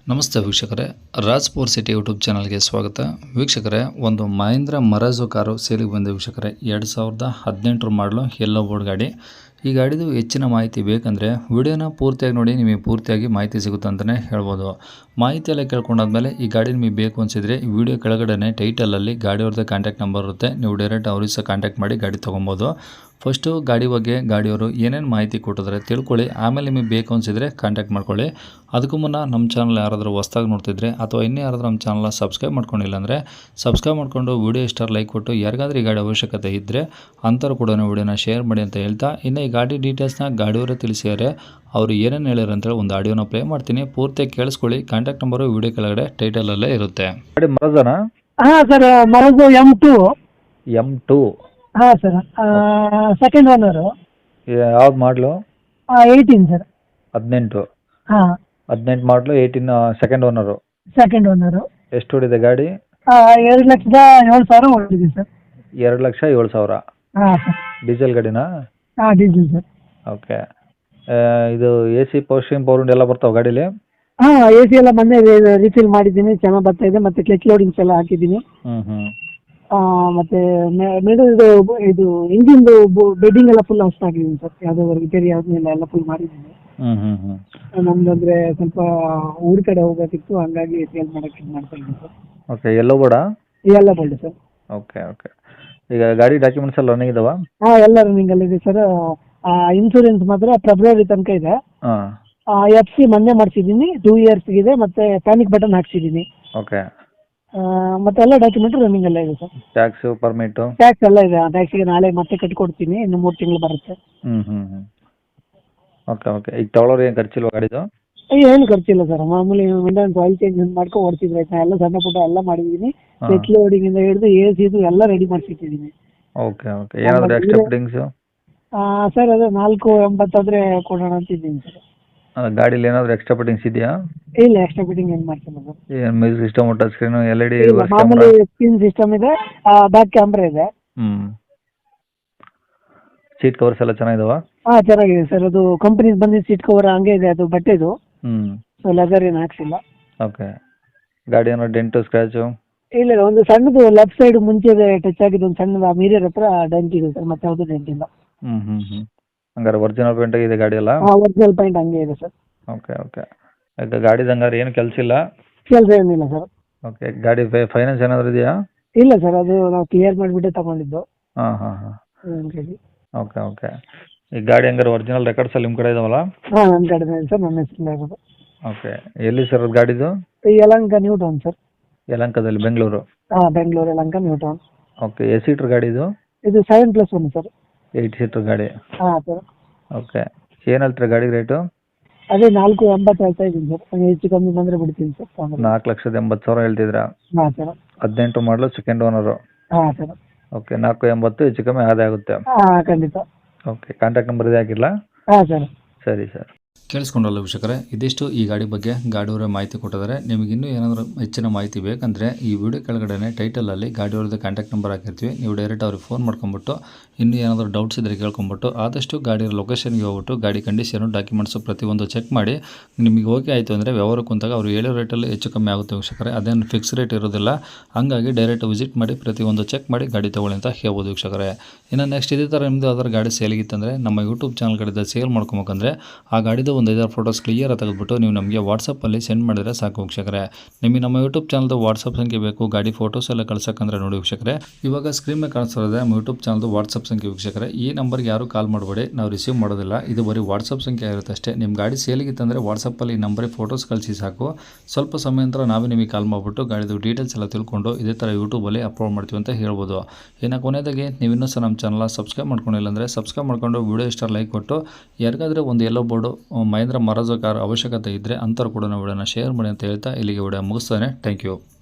ನಮಸ್ತೆ ವೀಕ್ಷಕರೇ, Raj power city YouTube ಚಾನಲ್ಗೆ ಸ್ವಾಗತ. ವೀಕ್ಷಕರೇ, ಒಂದು ಮಹೇಂದ್ರ ಮರಾಜೋ ಕಾರು ಸೇಲಿಗೆ ಬಂದ ವೀಕ್ಷಕರೇ. 2018 ಮಾಡಲು ಯೆಲ್ಲೋ ಬೋರ್ಡ್ ಗಾಡಿ. ಈ ಗಾಡಿದು ಹೆಚ್ಚಿನ ಮಾಹಿತಿ ಬೇಕಂದರೆ ವಿಡಿಯೋನ ಪೂರ್ತಿಯಾಗಿ ನೋಡಿ, ನಿಮಗೆ ಪೂರ್ತಿಯಾಗಿ ಮಾಹಿತಿ ಸಿಗುತ್ತೆ ಅಂತಲೇ ಹೇಳ್ಬೋದು. ಮಾಹಿತಿ ಎಲ್ಲ ಕೇಳ್ಕೊಂಡಾದ್ಮೇಲೆ ಈ ಗಾಡಿ ನಿಮಗೆ ಬೇಕು ಅನಿಸಿದರೆ ಈ ವಿಡಿಯೋ ಕೆಳಗಡೆ ಟೈಟಲಲ್ಲಿ ಗಾಡಿಯವ್ರದ್ದು ಕಾಂಟ್ಯಾಕ್ಟ್ ನಂಬರ್ ಇರುತ್ತೆ. ನೀವು ಡೈರೆಕ್ಟ್ ಅವ್ರಿಗೆ ಸಹ ಕಾಂಟ್ಯಾಕ್ಟ್ ಮಾಡಿ ಗಾಡಿ ತೊಗೊಬೋದು. ಫಸ್ಟು ಗಾಡಿ ಬಗ್ಗೆ ಗಾಡಿಯವರು ಏನೇನು ಮಾಹಿತಿ ಕೊಟ್ಟಿದ್ರೆ ತಿಳ್ಕೊಳ್ಳಿ, ಆಮೇಲೆ ನಿಮಗೆ ಬೇಕು ಅನಿಸಿದರೆ ಕಾಂಟ್ಯಾಕ್ಟ್ ಮಾಡ್ಕೊಳ್ಳಿ. ಅದಕ್ಕೂ ಮುನ್ನ ನಮ್ಮ ಚಾನಲ್ ಯಾರಾದರೂ ಹೊಸ್ದಾಗಿ ನೋಡ್ತಿದ್ರೆ ಅಥವಾ ಇನ್ನೂ ಯಾರಾದರೂ ನಮ್ಮ ಚಾನಲ್ನ ಸಬ್ಸ್ಕ್ರೈಬ್ ಮಾಡ್ಕೊಂಡಿಲ್ಲ ಅಂದರೆ ಸಬ್ಸ್ಕ್ರೈಬ್ ಮಾಡಿಕೊಂಡು ವಿಡಿಯೋ ಇಷ್ಟ ಲೈಕ್ ಕೊಟ್ಟು ಯಾರಿಗಾದ್ರೂ ಈ ಗಾಡಿ ಅವಶ್ಯಕತೆ ಇದ್ದರೆ ಅಂಥವ್ರು ಕೂಡ ವಿಡಿಯೋನ ಶೇರ್ ಮಾಡಿ ಅಂತ ಹೇಳ್ತಾ, ಇನ್ನು ಈ ಗಾಡಿ ಡೀಟೇಲ್ಸ್ನ ಗಾಡಿಯವರೇ ತಿಳಿಸಿದ್ದಾರೆ. ಅವರು ಏನೇನು ಹೇಳ್ಯಾರ ಅಂತೇಳಿ ಒಂದು ಆಡಿಯೋನ ಪ್ಲೇ ಮಾಡ್ತೀನಿ, ಪೂರ್ತಿಯಾಗಿ ಕೇಳಿಸ್ಕೊಳ್ಳಿ. ಕಾಂಟ್ಯಾಕ್ಟ್ ನಂಬರು ವಿಡಿಯೋ ಕೆಳಗಡೆ ಟೈಟಲಲ್ಲೇ ಇರುತ್ತೆ. ಗಾಡಿ ಮರಜನಾ? ಹಾಂ ಸರ್, ಮರಜು M2. ಹಾಂ ಸರ್, ಸೆಕೆಂಡ್ ಓನರು. ಯಾವ್ದು ಮಾಡಲು? 18 ಸರ್. 18. ಹಾಂ, 18 ಮಾಡಲು, 18 ಸೆಕೆಂಡ್ ಓನರು. Second owner. ಎಷ್ಟು ಹೊಡಿದೆ ಗಾಡಿ? 2,07,000 ಹೊಡಿದೆ ಸರ್. 2,07,000. ಹಾಂ ಸರ್. ಡೀಸೆಲ್ ಗಾಡಿನಾ? ಹಾಂ, ಡೀಸೆಲ್ ಸರ್. ಓಕೆ. ಇದು AC power steering power window ಎಲ್ಲ ಬರ್ತಾವೆ ಗಾಡೀಲಿ? ಹಾಂ, ಎ ಸಿ ಎಲ್ಲ ಮೊನ್ನೆ ರೀಫಿಲ್ ಮಾಡಿದ್ದೀನಿ, ಚೆನ್ನಾಗಿ ಬರ್ತಾ ಇದೆ. ಮತ್ತು ಕ್ಲಚ್ ಲೋಡಿಂಗ್ಸ್ ಎಲ್ಲ ಹಾಕಿದ್ದೀನಿ. ಮತ್ತು ಇದು ಇಂಜಿನ್ದು ಬೆಡ್ಡಿಂಗ್ ಎಲ್ಲ ಫುಲ್ ಹೊಸ ಹಾಕಿದ್ದೀನಿ ಸರ್. ಯಾವುದೋ ರಿಪೇರಿ ಯಾವುದೂ ಇಲ್ಲ, ಎಲ್ಲ ಫುಲ್ ಮಾಡಿದ್ದೀನಿ. ನಮ್ದು ಅಂದರೆ ಸ್ವಲ್ಪ ಊರ ಕಡೆ ಹೋಗಬೇಕಿತ್ತು, ಹಂಗಾಗಿ ಸೇಲ್ ಮಾಡೋಕ್ಕೆ ಇದು ಮಾಡ್ತಾ ಇದ್ದೀನಿ ಸರ್. ಓಕೆ. ಎಲ್ಲೋ ಬೋರ್ಡಾ? ಎಲ್ಲ ಬೋಲ್ಡ್ ಸರ್. ಓಕೆ. ಈಗ ಗಾಡಿ ಡಾಕ್ಯುಮೆಂಟ್ಸ್ ಎಲ್ಲ ರನ್ನಿಂಗ್ ಇದಾವಾ? ಹಾಂ, ಎಲ್ಲ ರನ್ನಿಂಗಲ್ಲಿದೆ ಸರ್. ಇನ್ಶೂರೆನ್ಸ್ ಮಾತ್ರ ಫೆಬ್ರವರಿ ತನಕ ಇದೆ. ಹಾಂ. FC ಮೊನ್ನೆ ಮಾಡಿಸಿದ್ದೀನಿ, 2 ಇಯರ್ಸ್ಗಿದೆ. ಮತ್ತು ಪ್ಯಾನಿಕ್ ಬಟನ್ ಹಾಕ್ಸಿದ್ದೀನಿ. ಓಕೆ. ಮತ್ತೆ ಎಲ್ಲ ಡಾಕ್ಯುಮೆಂಟ್ ರನ್ನಿಂಗ್ ಎಲ್ಲ ಇದೆ ಸರ್. Tax, permit? ಟ್ಯಾಕ್ಸ್ ಎಲ್ಲ ಇದೆ. ಟ್ಯಾಕ್ಸಿಗೆ ನಾಳೆ ಮತ್ತೆ ಕಟ್ಕೊಡ್ತೀನಿ, ಇನ್ನು 3 ತಿಂಗಳು ಬರುತ್ತೆ. ಓಕೆ. ಈಗ ತಗೊಳ್ಳೋರು ಏನು ಖರ್ಚಿಲ್ವಾ ಗಾಡಿದು? ಏನು ಖರ್ಚಿಲ್ಲ ಸರ್. ಮಾಮೂಲಿ ಮೇಂಟೆನೆನ್ಸ್, ಆಯಿಲ್ ಚೇಂಜ್ ಮಾಡ್ಕೊಂಡು ಓಡಿಸಿದ್ರೆ ಆಯ್ತಾ. ಎಲ್ಲ ಸಣ್ಣ ಪುಟ್ಟ ಎಲ್ಲ ಮಾಡಿದ್ದೀನಿ. ಸೆಟ್ ಲೋಡಿಂಗಿಂದ ಹಿಡಿದು AC ಇದು ಎಲ್ಲ ರೆಡಿ ಮಾಡಿಸಿಟ್ಟಿದ್ದೀನಿ. ಓಕೆ. ಏನಾದರೂ ಎಕ್ಸ್ಟ್ರಾ ಫಿಟ್ಟಿಂಗ್ಸು? ಸರ್, ಅದೇ 4,80 ಆದರೆ ಕೊಡೋಣ ಅಂತಿದ್ದೀನಿ ಸರ್. ಗಾಡೀಲಿ ಏನಾದರೂ ಎಕ್ಸ್ಟ್ರಾ ಫಿಟ್ಟಿಂಗ್ಸ್ ಇದೆಯಾ? ಇಲ್ಲ, ಎಕ್ಸ್ಟ್ರಾ ಫಿಟ್ಟಿಂಗ್ ಏನು ಮಾಡ್ತಿಲ್ಲ ಸರ್. ಏನು music system, touch screen, LED ಇಲ್ಲ, ಮಾಮೂಲಿ ಸ್ಕ್ರೀನ್ ಸಿಸ್ಟಮ್ ಇದೆ, ಬ್ಯಾಕ್ ಕ್ಯಾಮ್ರಾ ಇದೆ. ಸೀಟ್ ಕವರ್ಸ್ ಎಲ್ಲ ಚೆನ್ನಾಗಿದಾವಾ? ಹಾಂ, ಚೆನ್ನಾಗಿದೆ ಸರ್. ಅದು ಕಂಪ್ನಿದು ಬಂದಿದ್ದು ಸೀಟ್ ಕವರ್ ಹಂಗೆ ಇದೆ, ಅದು ಬಟ್ಟೆದು. ಸೊ ಲೆದರ್ ಏನು ಹಾಕ್ಸಿಲ್ಲ. ಓಕೆ. ಗಾಡಿ ಏನೋ ಡೆಂಟು, ಸ್ಕ್ರ್ಯಾಚು? ಇಲ್ಲ, ಒಂದು ಸಣ್ಣದು ಲೆಫ್ಟ್ ಸೈಡ್ ಮುಂಚೆ ಟಚ್ ಆಗಿದ್ದು ಒಂದು ಸಣ್ಣದು ಮಿರರ್ ಹತ್ರ ಡೆಂಟ್ ಇದೆ ಸರ್. ಮತ್ತೆ ಯಾವುದು ಡೆಂಟ್ ಇಲ್ಲ. ಹಂಗಾರೆ ಒರಿಜಿನಲ್ ಪೇಂಟ್ ಆಗಿದೆ ಗಾಡಿ ಎಲ್ಲ? ಹಾಂ, ಒರಿಜಿನಲ್ ಪೇಂಟ್ ಹಂಗೆ ಇದೆ ಸರ್. ಓಕೆ. ಈಗ ಗಾಡಿದು ಹಂಗಾರೆ ಏನು ಕೆಲಸ ಇಲ್ಲ? ಕೆಲಸ ಏನಿಲ್ಲ ಸರ್. ಓಕೆ. ಗಾಡಿ ಫೈನಾನ್ಸ್ ಏನಾದರೂ ಇದೆಯಾ? ಇಲ್ಲ ಸರ್, ಅದು ನಾವು ಕ್ಲಿಯರ್ ಮಾಡಿಬಿಟ್ಟೆ ತಗೊಂಡಿದ್ದು. ಹಾಂ. ಓಕೆ. ಈ ಗಾಡಿ ಹಂಗಾರೆ ಒರಿಜಿನಲ್ ರೆಕಾರ್ಡ್ಸ್ ಎಲ್ಲ ನಿಮ್ಮ ಕಡೆ ಇದಾವಲ್ಲ? ಹಾಂ, ನನ್ನ ಕಡೆ ಇದೆ ಸರ್, ನನ್ನ ಹೆಸರು ಆಗೋದು. ಓಕೆ. ಎಲ್ಲಿ ಸರ್ ಅದು ಗಾಡಿದು? Yelahanka new town sir. ಯಲಹಂಕದಲ್ಲಿ, ಬೆಂಗಳೂರು? ಹಾಂ, Bengaluru Yelahanka new town. Okay. ಎಷ್ಟು ಸೀಟ್ರ್ ಗಾಡಿ ಇದು? ಇದು 7+1 ಸರ್. 8 ಸೀಟ್ರ್ ಗಾಡಿ? ಹಾಂ ಸರ್. ಓಕೆ. ಏನು ಹೇಳ್ತೀರಾ ಗಾಡಿ ರೇಟು? ಅದೇ 4,80 ಹೇಳ್ತಾ ಇದ್ದೀನಿ ಸರ್. ಹೆಚ್ಚು ಕಮ್ಮಿ ಬಂದರೆ ಬಿಡ್ತೀನಿ ಸರ್. 4,80,000 ಹೇಳ್ತಿದ್ರಾ? ಹಾಂ ಸರ್. 18 model, second owner? ಹಾಂ ಸರ್. ಓಕೆ. 4,80 ಹೆಚ್ಚು ಕಮ್ಮಿ ಆದೇ ಆಗುತ್ತೆ? ಹಾಂ, ಖಂಡಿತ. ಓಕೆ. ಕಾಂಟ್ಯಾಕ್ಟ್ ನಂಬರ್ ಇದೆ ಹಾಕಿಲ್ಲ? ಹಾಂ ಸರ್. ಸರಿ ಸರ್. ಕೇಳಿಸ್ಕೊಂಡಲ್ಲ ವೀಕ್ಷಕರೇ, ಇದಿಷ್ಟು ಈ ಗಾಡಿ ಬಗ್ಗೆ ಗಾಡಿಯವರೇ ಮಾಹಿತಿ ಕೊಟ್ಟಿದ್ದಾರೆ. ನಿಮಗೆ ಇನ್ನೂ ಏನಾದರೂ ಹೆಚ್ಚಿನ ಮಾಹಿತಿ ಬೇಕಂದರೆ ಈ ವಿಡಿಯೋ ಕೆಳಗಡೆ ಟೈಟಲಲ್ಲಿ ಗಾಡಿಯವ್ರದ್ದು ಕಾಂಟ್ಯಾಕ್ಟ್ ನಂಬರ್ ಹಾಕಿರ್ತೀವಿ. ನೀವು ಡೈರೆಕ್ಟ್ ಅವ್ರಿಗೆ ಫೋನ್ ಮಾಡ್ಕೊಂಬಿಟ್ಟು ಇನ್ನೂ ಏನಾದರೂ ಡೌಟ್ಸ್ ಇದ್ದರೆ ಕೇಳ್ಕೊಂಬಿಟ್ಟು ಆದಷ್ಟು ಗಾಡಿಯ ಲೊಕೇಶನ್ಗೆ ಹೋಗ್ಬಿಟ್ಟು ಗಾಡಿ ಕಂಡೀಷನು, ಡಾಕ್ಯುಮೆಂಟ್ಸು ಪ್ರತಿಯೊಂದು ಚೆಕ್ ಮಾಡಿ ನಿಮಗೆ ಓಕೆ ಆಯಿತು ಅಂದರೆ ವ್ಯವಹಾರಕ್ಕೆ ಕುಂತಾಗ ಅವರು ಹೇಳೋ ರೇಟಲ್ಲಿ ಹೆಚ್ಚು ಕಮ್ಮಿ ಆಗುತ್ತೆ ವೀಕ್ಷಕರೇ. ಅದೇನು ಫಿಕ್ಸ್ ರೇಟ್ ಇರೋದಿಲ್ಲ. ಹಾಗಾಗಿ ಡೈರೆಕ್ಟ್ ವಿಸಿಟ್ ಮಾಡಿ ಪ್ರತಿಯೊಂದು ಚೆಕ್ ಮಾಡಿ ಗಾಡಿ ತೊಗೊಳ್ಳಿ ಅಂತ ಹೇಳ್ಬೋದು ವೀಕ್ಷಕರೇ. ಇನ್ನು ನೆಕ್ಸ್ಟ್ ಇದೇ ಥರ ನಿಮ್ಮದು ಯಾವ್ದಾದ್ರು ಗಾಡಿ ಸೇಲಿಗಿತ್ತಂದರೆ ನಮ್ಮ ಯೂಟ್ಯೂಬ್ ಚಾನಲ್ ಕಡೆಯಿಂದ ಸೇಲ್ ಮಾಡ್ಕೊಬೇಕಂದ್ರೆ ಆ ಗಾಡಿದು ಒಂದು 5 ಫೋಟೋಸ್ ಕ್ಲಿಯರ್ ತೆಗೆದುಬಿಟ್ಟು ನೀವು ನಮಗೆ ವಾಟ್ಸಪ್ಪಲ್ಲಿ ಸೆಂಡ್ ಮಾಡಿದರೆ ಸಾಕು ವೀಕ್ಷಕರೇ. ನಿಮಗೆ ನಮ್ಮ ಯೂಟ್ಯೂಬ್ ಚಾನಲ್ದು ವಾಟ್ಸಪ್ ಸಂಖ್ಯೆ ಬೇಕು, ಗಾಡಿ ಫೋಟೋಸ್ ಎಲ್ಲ ಕಳ್ಸೋಕ್ಕಂದ್ರೆ ನೋಡಿ ವೀಕ್ಷಕರೇ, ಇವಾಗ ಸ್ಕ್ರೀನ್ ಮೇಲೆ ಕಾಣಿಸ್ತಿರೋದೆ ನಮ್ಮ ಯೂಟ್ಯೂಬ್ ಚಾನಲ್ದು ವಾಟ್ಸಪ್ ಸಂಖ್ಯೆ ವೀಕ್ಷಕರೇ. ಈ ನಂಬರ್ಗೆ ಯಾರು ಕಾಲ್ ಮಾಡಬೇಡಿ, ನಾವು ರಿಸೀವ್ ಮಾಡೋದಿಲ್ಲ. ಇದು ಬರೀ ವಾಟ್ಸಪ್ ಸಂಖ್ಯೆ ಇರುತ್ತೆ ಅಷ್ಟೇ. ನಿಮ್ಮ ಗಾಡಿ ಸೇಲಿಗಿತ್ತಂದರೆ ವಾಟ್ಸಪ್ಪಲ್ಲಿ ಈ ನಂಬರಿಗೆ ಫೋಟೋಸ್ ಕಳಿಸಿ ಸಾಕು. ಸ್ವಲ್ಪ ಸಮಯ ನಂತರ ನಾವೇ ನಿಮಗೆ ಕಾಲ್ ಮಾಡಿಬಿಟ್ಟು ಗಾಡಿದು ಡೀಟೇಲ್ಸ್ ಎಲ್ಲ ತಿಳ್ಕೊಂಡು ಇದೇ ಥರ ಯೂಟ್ಯೂಬಲ್ಲಿ ಅಪ್ಲೋಡ್ ಮಾಡ್ತೀವಿ ಅಂತ ಹೇಳ್ಬೋದು. ಇನ್ನು ಕೊನೆಯದಾಗಿ ನೀವು ಇನ್ನೂ ಸಹ ನಮ್ಮ ಚಾನಲ್ ಸಬ್ಸ್ಕ್ರೈಬ್ ಮಾಡ್ಕೊಂಡಿಲ್ಲ ಅಂದರೆ ಸಬ್ಸ್ಕ್ರೈಬ್ ಮಾಡ್ಕೊಂಡು ವಿಡಿಯೋ ಇಷ್ಟ ಲೈಕ್ ಕೊಟ್ಟು ಯಾರಿಗಾದರೆ ಒಂದು yellow board Mahindra Marazzo car ಅವಶ್ಯಕತೆ ಇದ್ದರೆ ಅಂಥವ್ರು ಕೂಡ ವಿಡಿಯೋನ ಶೇರ್ ಮಾಡಿ ಅಂತ ಹೇಳ್ತಾ ಇಲ್ಲಿಗೆ ವಿಡಿಯೋ ಮುಗಿಸ್ತಾನೆ. Thank you.